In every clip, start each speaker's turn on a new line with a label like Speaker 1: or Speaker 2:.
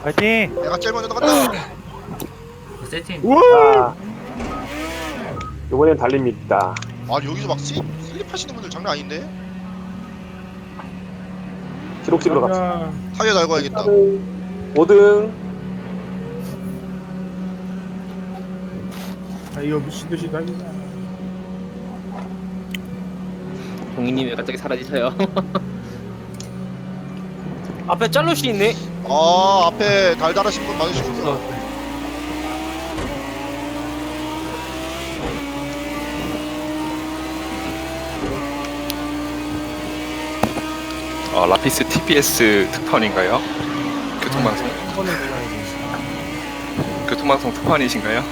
Speaker 1: 파이팅!
Speaker 2: 내가 제일 먼저 나간다.
Speaker 3: 세팅.
Speaker 4: 우와! 이번엔 달립니다.
Speaker 2: 아 여기서 막 슬립하시는 분들 장난 아닌데?
Speaker 4: 기록식으로 갑시다.
Speaker 2: 타이어 달고 와야겠다.
Speaker 4: 5등.
Speaker 5: 이거 미친듯이 달리자.
Speaker 3: 동희님 왜 갑자기 사라지셔요?
Speaker 1: 앞에 짤롯이 있네?
Speaker 2: 아 앞에 달달하신 분 많으시군요.
Speaker 6: 라피스 TBS 특파원인가요? 교통방송? 교통방송 특파원이신가요?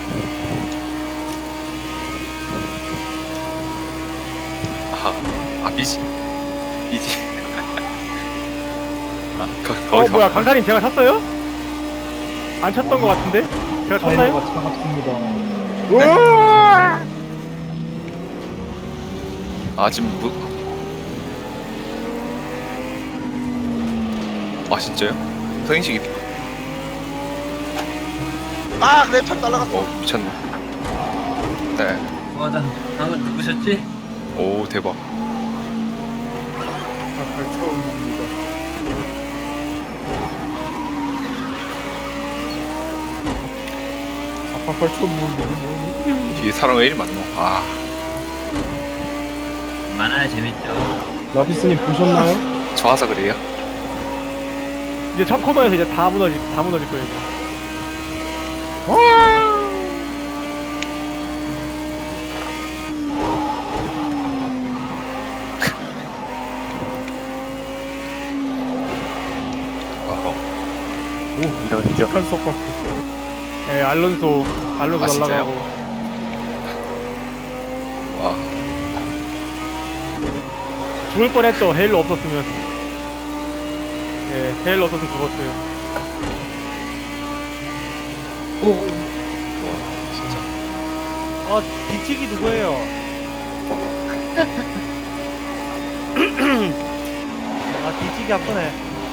Speaker 6: 미지. 거기서
Speaker 1: 뭐야, 강사님 제가 탔어요? 안 탔던 것 같은데? 제가 탔나요?
Speaker 6: 지금 진짜요? 서인식이
Speaker 2: 아 랩탑 날라갔어.
Speaker 6: 미쳤네. 네.
Speaker 3: 나 방금 누구셨지?
Speaker 6: 오 대박.
Speaker 5: 아까 처음입니다. 아빠 처음 보는
Speaker 6: 뒤에 사람 왜 이리 많노?
Speaker 3: 많아야 재밌죠.
Speaker 5: 라피스님 보셨나요?
Speaker 6: 좋아서 그래요?
Speaker 1: 이제 첫 코너에서 이제 다 무너질 거예요. 이제.
Speaker 4: 이런 이죠.
Speaker 5: 북한 속박.
Speaker 1: 예, 알론소
Speaker 6: 진짜요?
Speaker 1: 날라가고.
Speaker 6: 와.
Speaker 1: 죽을 뻔했죠. 헤일로 없었으면. 예, 헤일로 없었으면 죽었어요. 뒤치기 누구예요? 뒤치기 한 번에.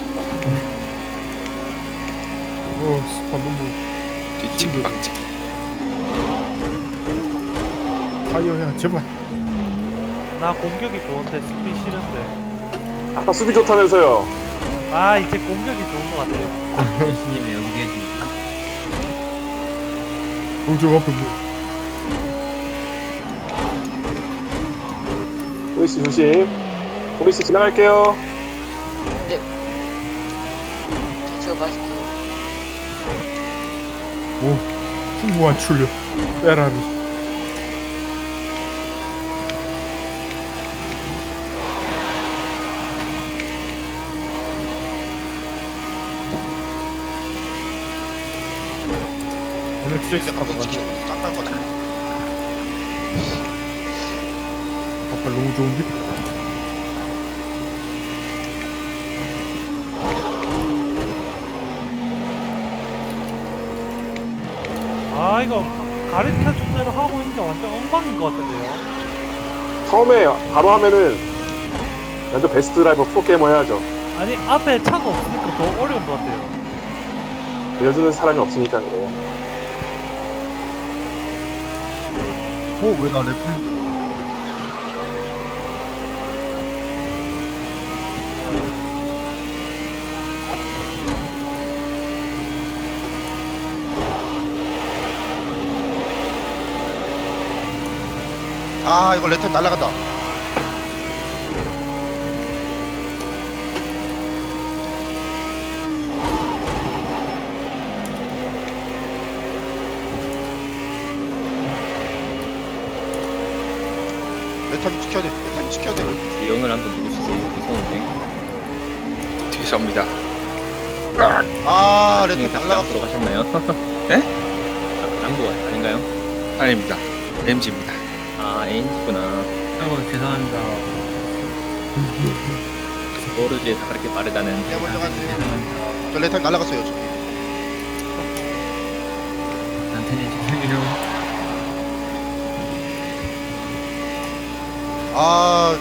Speaker 5: 스파 너무
Speaker 6: 뒤치기 박치기.
Speaker 5: 타이어야 제발.
Speaker 1: 나 공격이 좋은데 수비 싫은데.
Speaker 4: 아까 수비 좋다면서요.
Speaker 1: 이제 공격이 좋은 것 같아요.
Speaker 3: 교수님 왜 여기 계십니까?
Speaker 5: 저 앞에 뭐.
Speaker 4: 보이스 조심. 보이스 지나갈게요.
Speaker 5: 풍부한 출력. 페라리. 오늘
Speaker 2: 이제
Speaker 5: 트랙스
Speaker 2: 가끔
Speaker 5: 타고
Speaker 2: 찍히고
Speaker 5: 가자.
Speaker 2: 짱날 거다.
Speaker 5: 아빠 너무 좋은데?
Speaker 1: 이거 가르쳐 준 대로 하고 있는 게 완전 엉망인 것 같은데요.
Speaker 4: 처음에 바로 하면은 완전 베스트 드라이버 프로게이머 해야죠.
Speaker 1: 아니 앞에 차가 없으니까 더 어려운 것 같아요.
Speaker 4: 알려주는 사람이 없으니까 그래요.
Speaker 5: 왜나 랩을.
Speaker 2: 아 이거 랩탑 날라간다. 랩탑 지켜야 돼. 랩탑 지켜야 돼.
Speaker 3: 이형을 한번 누구시지? 무서운데.
Speaker 6: 뒤에서 옵니다.
Speaker 2: 아
Speaker 3: 형이
Speaker 2: 랩탑
Speaker 3: 다시
Speaker 2: 날라갔어.
Speaker 3: 앞으로 가셨나요?
Speaker 6: 네?
Speaker 3: 남부 아닌가요?
Speaker 6: 아닙니다. MG입니다.
Speaker 3: ANG구나. 죄송합니다. 모르지에서 그렇게 빠르다는.
Speaker 2: 내가 먼저 가세요. 저 랩탑 날라갔어요. 저.
Speaker 3: 나한테는 죄송해요.
Speaker 2: 아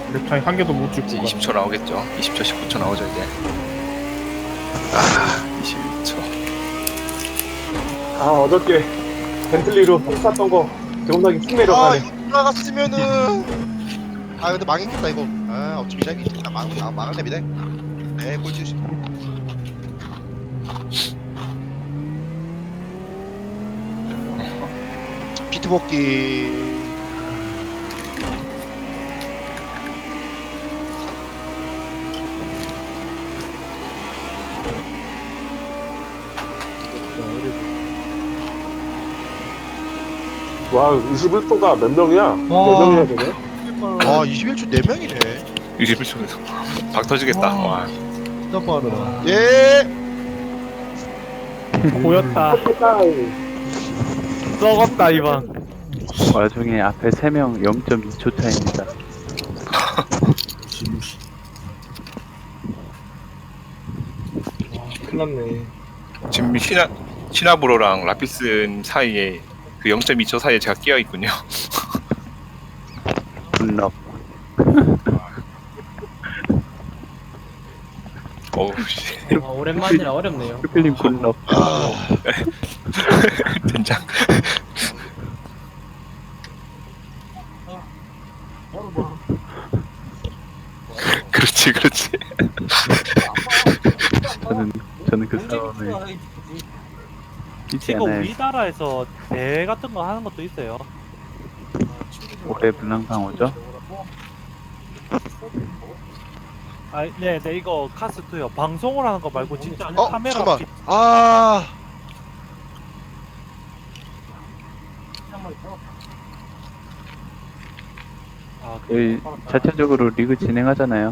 Speaker 5: 랩타임 한 개도 못
Speaker 6: 이제
Speaker 5: 찍고
Speaker 6: 20초 나오겠죠. 20초, 19초 나오죠 이제. 아, 21초.
Speaker 4: 아 어저께 벤틀리로 탔던 거 기억나기 쭉
Speaker 2: 아
Speaker 4: 내려가네.
Speaker 2: 이거 돌아갔으면은 아 근데 망했겠다 이거. 아 어차피 시작이 망했답니다. 네 꼴찌. 피트 복귀.
Speaker 4: 와 21도가 몇 명이야? 몇 명이야 되네?
Speaker 2: 아 21초 4명이네.
Speaker 6: 21초에서 박 터지겠다. 와.
Speaker 5: 진짜 빠르다.
Speaker 2: 예.
Speaker 1: 보였다. 썩었다 이번.
Speaker 7: 와중에 앞에 3명 0.2초 차입니다.
Speaker 5: 무시.
Speaker 4: 큰일났네.
Speaker 6: 지금 시나브로랑 라피스 사이에 그 0.2초 사이에 제가 끼어 있군요.
Speaker 7: 분럽.
Speaker 6: 어우 씨.
Speaker 3: 오랜만이라 어렵네요.
Speaker 7: 스필링 분럽.
Speaker 6: 된장. 그렇지, 그렇지.
Speaker 7: 저는 그 싸움을 뛰지
Speaker 1: 지금
Speaker 7: 않아요.
Speaker 1: 우리나라에서 대회 같은 거 하는 것도 있어요.
Speaker 7: 올해 분랑방어죠?
Speaker 1: 아, 네, 이거 카스2요. 방송을 하는 거 말고 진짜 카메라
Speaker 2: 잠깐만.
Speaker 1: 비-
Speaker 2: 아.
Speaker 1: 아,
Speaker 7: 저희 자체적으로 리그 진행하잖아요.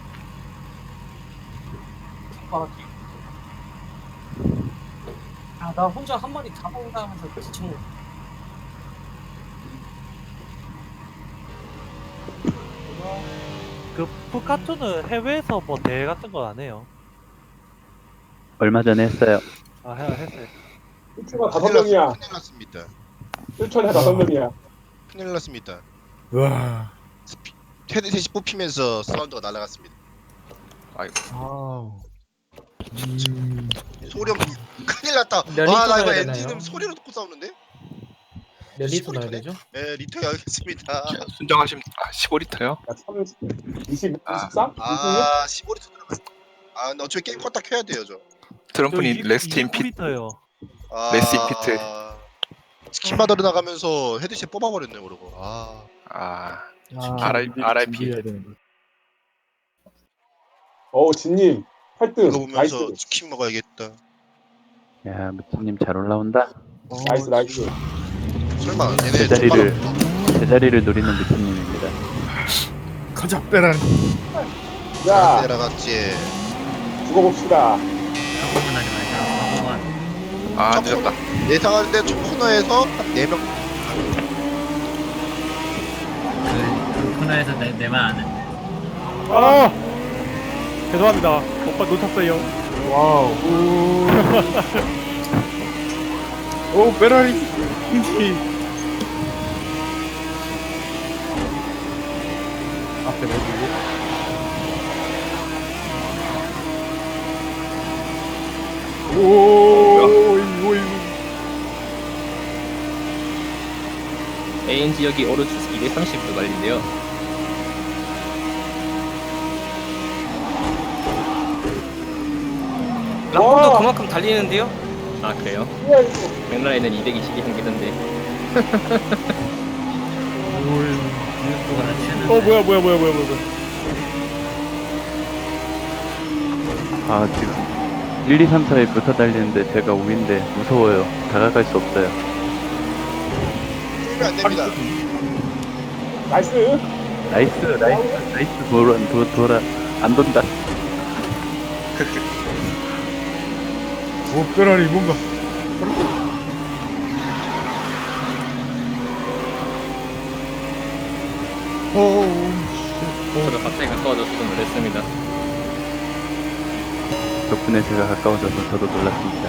Speaker 8: 아, 나 혼자 한 마리 다 먹는다 하면서 지금
Speaker 1: 그 푸카투는 해외에서 뭐 대회 같은 건 안 해요.
Speaker 7: 얼마 전에 했어요.
Speaker 1: 아, 했어요.
Speaker 4: 1초가 5명이야.
Speaker 2: 큰일 났습니다.
Speaker 4: 1초에 5명이야.
Speaker 2: 큰일 났습니다.
Speaker 5: 와.
Speaker 2: 헤드셋이 뽑히면서 사운드가 날아갔습니다.
Speaker 6: 아이고.
Speaker 5: 아우.
Speaker 2: 소리 없. 큰일 났다.
Speaker 8: 몇
Speaker 2: 아 나
Speaker 8: 리터
Speaker 2: 이거
Speaker 8: 넣어야 되나요?
Speaker 2: 엔진음 소리로 듣고 싸우는데?
Speaker 8: 몇 리터 넣어야 되죠?
Speaker 2: 네 리터 여기겠습니다.
Speaker 6: 순정하시면 15리터요?
Speaker 4: 야, 20,
Speaker 6: 아.
Speaker 4: 23? 26?
Speaker 2: 아 15리터 들어갔어. 아 근데 어차피 게임 껐다 켜야 돼요 저.
Speaker 6: 트럼프님 레스트 인 핏.
Speaker 1: 요
Speaker 2: 아,
Speaker 6: 레시 피트.
Speaker 2: 치킨 받으러 나가면서 헤드셋 뽑아버렸네 그러고. 아.
Speaker 6: 아,
Speaker 5: RIP.
Speaker 6: RIP.
Speaker 4: 진님
Speaker 2: 이거
Speaker 4: 8등.
Speaker 2: 보면서
Speaker 4: 나이스.
Speaker 2: 치킨 먹어야겠다.
Speaker 7: 야, 무치님 잘 올라온다.
Speaker 4: 나이스.
Speaker 2: 설마 얘네
Speaker 7: 제자리를 노리는 무치님입니다.
Speaker 5: 가자 빼라.
Speaker 4: 자,
Speaker 2: 내려갔지.
Speaker 4: 죽어봅시다.
Speaker 3: 사고만 하지 말자. 사고만.
Speaker 6: 아 늦었다.
Speaker 2: 예상하는데 첫 코너에서 한 4명.
Speaker 3: 그 코너에서 내말 안 해.
Speaker 1: 아! 죄송합니다. 오빠 놓쳤어요.
Speaker 4: 와우.
Speaker 5: 오 페라리. 인지. 앞에 내주고. 오이.
Speaker 3: AN 지역이 오르투스 230도 갈린데요.
Speaker 4: 와.
Speaker 8: 그만큼 달리는데요?
Speaker 3: 아 그래요?
Speaker 4: 뭐야 이거.
Speaker 3: 맥라렌은 220이 한계던데. 유튜브가 치는.
Speaker 1: 뭐야.
Speaker 7: 아, 지금 1, 2, 3, 4에 붙어 달리는데 제가 5인데 무서워요. 다가갈 수 없어요.
Speaker 2: 쫄면 안 됩니다.
Speaker 4: 나이스.
Speaker 7: 나이스. 돌아. 안 돈다.
Speaker 5: 오 페라리 뭔가.
Speaker 3: 저도 갑자기 가까워져서 좀 놀랐습니다.
Speaker 7: 덕분에 제가 가까워져서 저도 놀랐습니다.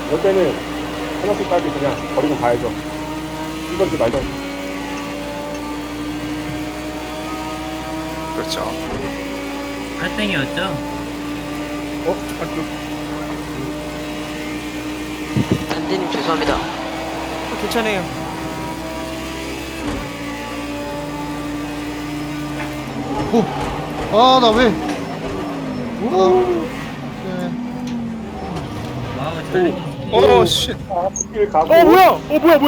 Speaker 4: 이럴 때는 하나씩까지 그냥 버리고 가야죠. 이건지 말던지.
Speaker 6: 그렇죠.
Speaker 3: 팔땡이었죠?
Speaker 5: 어? 아,
Speaker 9: 단대님 죄송합니다.
Speaker 8: 괜찮아요.
Speaker 2: 아, 나 왜?
Speaker 3: 와우, 잘
Speaker 6: 어, 씨.
Speaker 4: 아, 스킬 가고.
Speaker 1: 뭐야?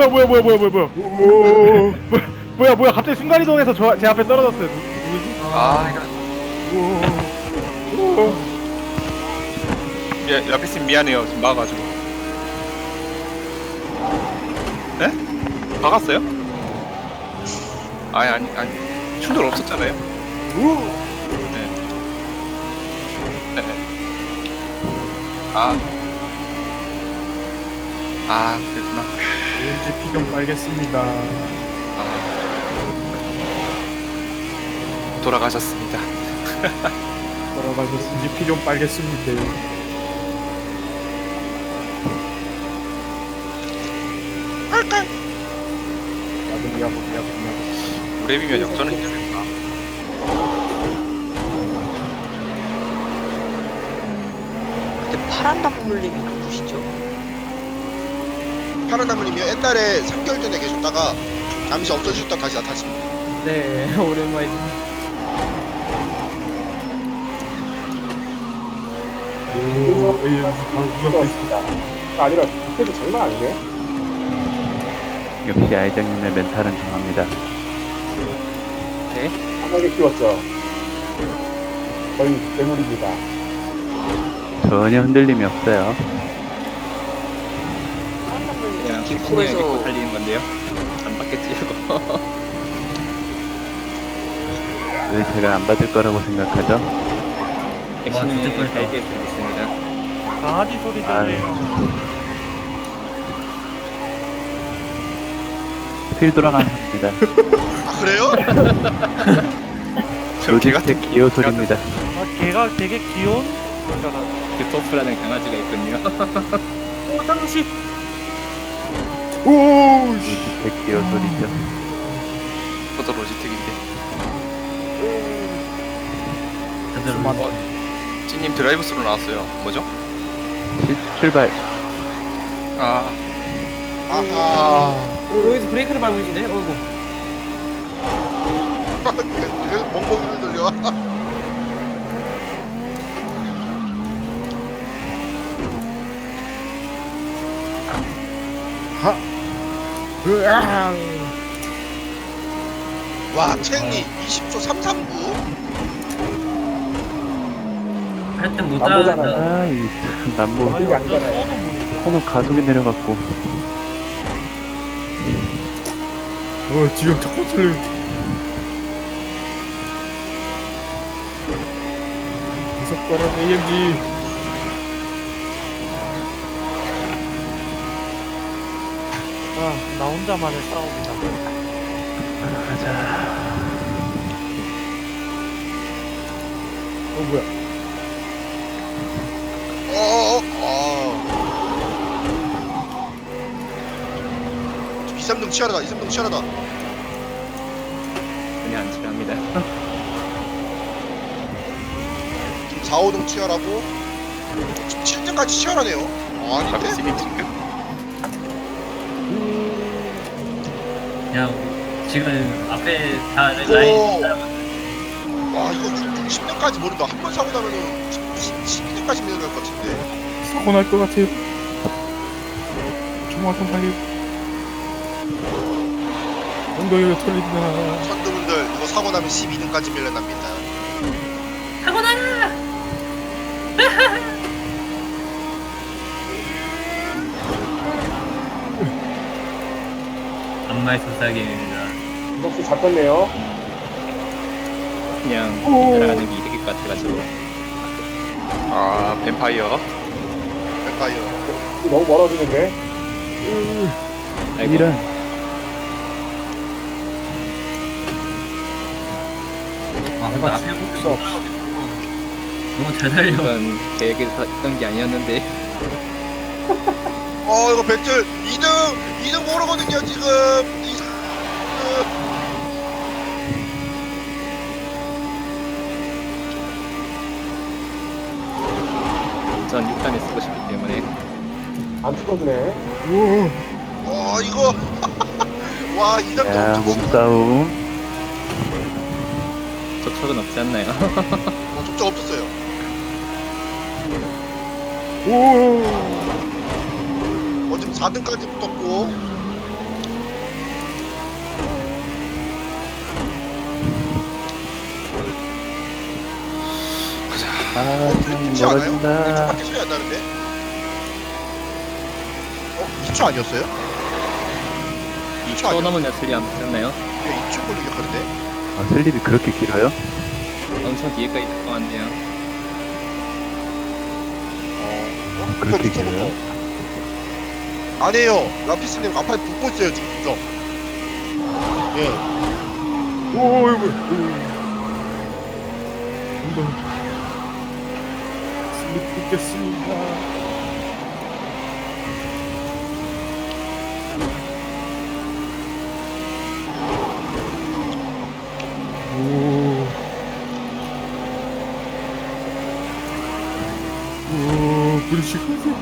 Speaker 1: 뭐야? 갑자기 순간이동해서 제 앞에 떨어졌어요. 누구지?
Speaker 6: 아, 이거. 라피스님 미안해요. 지금 막아가지고. 네? 막았어요? 아니. 충돌 없었잖아요. 네. 네. 그랬구나.
Speaker 5: 왠지 피 좀 빨겠습니다.
Speaker 6: 돌아가셨습니다.
Speaker 5: 돌아가셨으니 피 좀 빨겠습니다. 야금.
Speaker 6: 우레비면 역전은 되겠다.
Speaker 9: 근데 파란 단물님이 누구시죠?
Speaker 2: 파란 나무님이요. 옛날에 3개월 전에 계셨다가 잠시 없어지셨다 다시 나타나십니다.
Speaker 8: 네, 오랜만에.
Speaker 5: 오, 에이, 바로 무섭게 있어.
Speaker 4: 아니라 그때도 장난 아니네.
Speaker 7: 역시 아이장님의 멘탈은 강합니다.
Speaker 4: 강하게 키웠죠. 거의 괴물입니다.
Speaker 7: 전혀 흔들림이 없어요.
Speaker 9: 그냥 기포에서
Speaker 6: 달리는 건데요. 안 받겠지 이거.
Speaker 7: 왜 제가 안 받을 거라고 생각하죠?
Speaker 3: 와, 진짜 뻔했다.
Speaker 1: 강아지 소리 들려요.
Speaker 7: 필 돌아갑니다.
Speaker 2: 아, 그래요?
Speaker 7: 로직스의 기어 소리입니다.
Speaker 1: 걔가 되게 귀여운 거잖아.
Speaker 6: 토프라는 강아지가 있군요.
Speaker 1: 당시
Speaker 7: 로직스의 기어 소리죠.
Speaker 6: 저도 로지텍인데.
Speaker 3: 다들
Speaker 6: 찐님 드라이브 스루 나왔어요. 뭐죠?
Speaker 7: 출발.
Speaker 2: 아하.
Speaker 8: 여기서 브레이크를 밟으시네. 어이구.
Speaker 2: 그래서 멍멍이를 돌려. 와, 챙이 20초 339.
Speaker 3: 할땐 못
Speaker 4: 나보잖아요.
Speaker 3: 따라간다.
Speaker 7: 이 남부
Speaker 4: 그게 아니잖아요.
Speaker 7: 코너 가속이 내려갔고.
Speaker 5: 지금 자꾸 틀려. 무섭더라, AMG.
Speaker 1: 나 혼자만의 싸움이다.
Speaker 7: 가자.
Speaker 5: 뭐야?
Speaker 2: 이삼등 치열하다. 이삼등 치열하다.
Speaker 6: 그냥 안 치랍니다.
Speaker 2: 4, 5등 치열하고 7등까지 치열하네요. 아닌데?
Speaker 6: 라피스님 지금
Speaker 3: 그냥 지금 앞에 다 라인
Speaker 2: 오.
Speaker 3: 따라가고
Speaker 2: 와, 이거 10등까지 모른다. 한 번 사고 나면은 12등까지 내려갈 것 같은데.
Speaker 5: 사고 날 것 같아요. 조만간 빨리. 엉덩이가 털린다.
Speaker 2: 선두분들 이거 사고 나면 12등까지 밀려납니다.
Speaker 3: 안마의 소사기입니다.
Speaker 4: 이것도 잡혔네요.
Speaker 6: 그냥 날아가는 게 이득일 것 같아가지고. 뱀파이어.
Speaker 2: 뱀파이어.
Speaker 4: 너무 멀어지는데.
Speaker 7: 이런.
Speaker 3: 근데 앞에
Speaker 5: 없어.
Speaker 3: 너무 잘 달려.
Speaker 6: 이건 계획에서 했던 게 아니었는데.
Speaker 2: 이거 배틀 2등 모르거든요 지금.
Speaker 6: 전 6단에 쓰고 싶기 때문에.
Speaker 4: 안 죽어주네.
Speaker 2: 이거 와 2등
Speaker 7: 야, 몸싸움.
Speaker 6: 적석은 없지 않나요?
Speaker 2: 적적 없었어요. 지금 4등까지 붙었고.
Speaker 7: 아, 좀
Speaker 2: 그렇지 않아요?
Speaker 7: 멀어진다.
Speaker 2: 1초밖에 차이 안 나는데? 2초 아니었어요? 2초 아니었어요?
Speaker 6: 넘으면 슬리 안 붙었나요?
Speaker 2: 2초 걸리게 하는데?
Speaker 7: 아, 슬립이 그렇게 길어요?
Speaker 6: 엄청 뒤에까지 들어갔는데요.
Speaker 7: 그렇게 길어요?
Speaker 2: 아니에요. 라피스님 앞에 붙고 있어요 지금 이거. 예.
Speaker 5: 오이구. 엉덩이. 슬립 붙겠습니다. 브리시커스.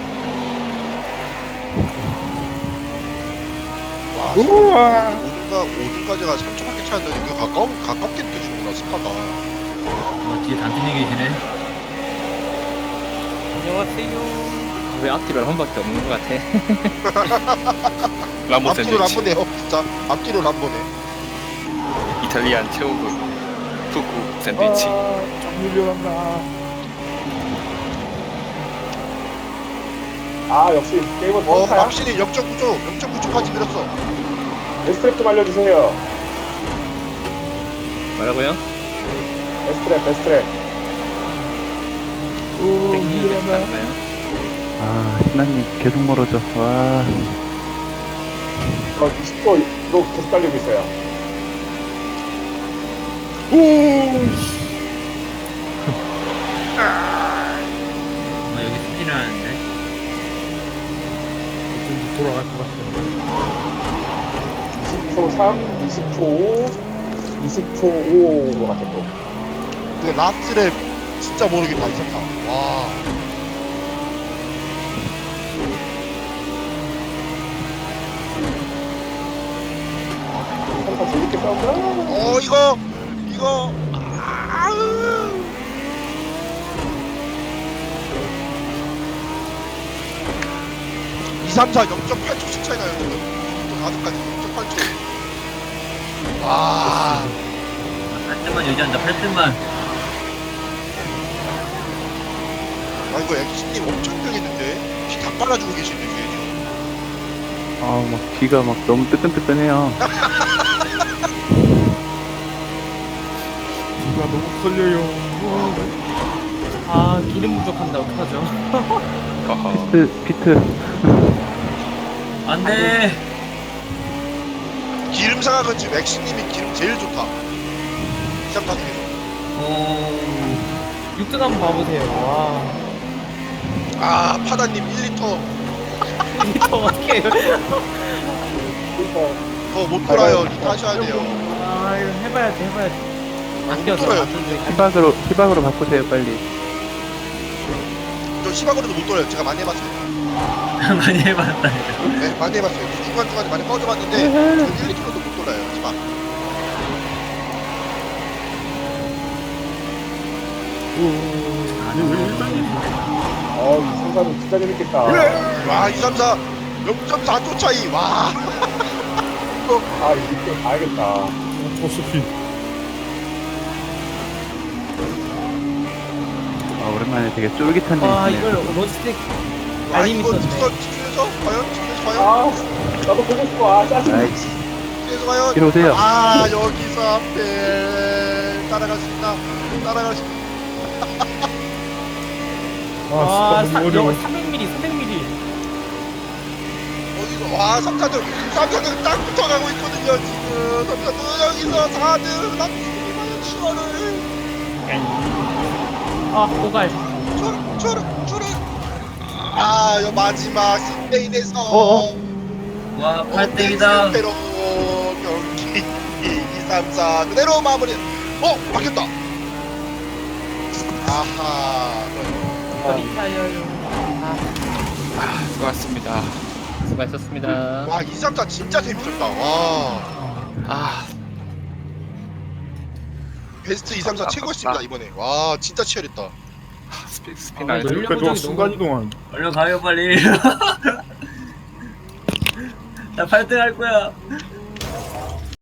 Speaker 2: 와,
Speaker 5: 우와.
Speaker 2: 5등까지가 3초밖에 차이 안 나니까 가깝게 느껴지는구나 스파가.
Speaker 3: 뒤에 단순히 계시네.
Speaker 8: 안녕하세요.
Speaker 6: 왜 앞뒤로 한 번밖에 없는 것 같아? 람보
Speaker 2: 앞뒤로
Speaker 6: 샌드위치.
Speaker 2: 람보네요 진짜. 앞뒤로 람보네.
Speaker 6: 이탈리안 최고급 푸구 샌드위치.
Speaker 5: 좀 밀려난다.
Speaker 4: 아 역시 게임은 터프야.
Speaker 2: 확실히 0.9초까지 밀었어.
Speaker 4: 베스트랩 좀 알려주세요.
Speaker 6: 뭐라고요?
Speaker 4: 베스트랩.
Speaker 5: 오, 밀려난다.
Speaker 7: 아, 신나님 계속 멀어져. 와.
Speaker 4: 20%로 계속 달리고 있어요.
Speaker 3: 여기 스피를 하는데.
Speaker 5: 좀 돌아갈 것 같아.
Speaker 4: 20초 3, 20초 5, 20초 5인 것 같아 또.
Speaker 2: 근데 라스트랩 진짜 모르겠다 이상다. 와.
Speaker 4: 항상 재밌게 싸운다.
Speaker 2: 이거. 아으. 2, 3, 4 0.8초씩 차이 나요 지금. 4등까지 0.8초. 와.
Speaker 3: 8등만 유지한다. 8등만.
Speaker 2: 이거 엑스님 엄청 병했는데 피 다 빨아주고 계시는데 지금.
Speaker 7: 아, 막 귀가 막 너무 뜨끈뜨끈해요.
Speaker 5: 누가 너무 걸려요.
Speaker 8: 아 기름 부족한다. 어떡하죠?
Speaker 6: 허허.
Speaker 7: 피트.
Speaker 3: 안 돼!
Speaker 2: 기름 상황은 지금 엑스님이 기름 제일 좋다. 2, 3, 4 중에서.
Speaker 8: 오. 6등 한번 봐보세요. 와.
Speaker 2: 파다님 1리터
Speaker 8: 리터 어떻게 해요?
Speaker 2: 더 못 돌아요. 리터 하셔야 돼요.
Speaker 8: 아 이거 해봐야지.
Speaker 2: 못 돌아요.
Speaker 7: 희박으로 바꾸세요, 빨리.
Speaker 2: 저 시바거리도 못 돌아요. 제가 많이 해봤어요.
Speaker 3: 많이 해봤다.
Speaker 2: 네, 많이 해봤어요. 중간중간에 많이 꺼져봤는데 저 1, 2km도 못 돌아요. 시바.
Speaker 4: 이 상사는 진짜 재밌겠다.
Speaker 2: 와, 2, 3, 4 0.4초 차이. 와.
Speaker 4: 이거 알겠다.
Speaker 5: 포스피.
Speaker 7: 아, 오랜만에 되게 쫄깃한
Speaker 8: 와
Speaker 7: 일이네.
Speaker 8: 이걸 로스틱
Speaker 2: 와,
Speaker 8: 알림이
Speaker 2: 이거
Speaker 8: 있었네.
Speaker 2: 집에서 과연?
Speaker 4: 나도 보고 싶어. 짜증나.
Speaker 7: 아이씨.
Speaker 2: 집에서 과연?
Speaker 7: 이리 오세요.
Speaker 2: 여기서 앞에 따라갈 수 있나? 따라갈 수 있나?
Speaker 8: 와
Speaker 5: 너무 어려워.
Speaker 8: 300mm.
Speaker 2: 와, 3차등 딱 붙어가고 있거든요 지금. 3차등 여기서 4등 남기님이 과연 추월을.
Speaker 8: 아 고갈.
Speaker 2: 추월. 아, 요 마지막 스페인에서
Speaker 3: 와 8등이다.
Speaker 2: 스페로 경기 2, 3, 4 그대로 마무리. 바뀌었다. 아하.
Speaker 8: 리타이어요.
Speaker 6: 수고하셨습니다.
Speaker 8: 수고하셨습니다.
Speaker 2: 와, 2, 3, 4 진짜 재밌었다. 와.
Speaker 6: 아
Speaker 2: 베스트 2, 3, 4 최고였습니다 이번에. 와, 진짜 치열했다.
Speaker 6: 스피너
Speaker 8: 아,
Speaker 6: 알죠?
Speaker 8: 열려-
Speaker 5: 그러니까 저 순간 이동한.
Speaker 3: 얼른 가요 빨리. 나 8등 할 거야.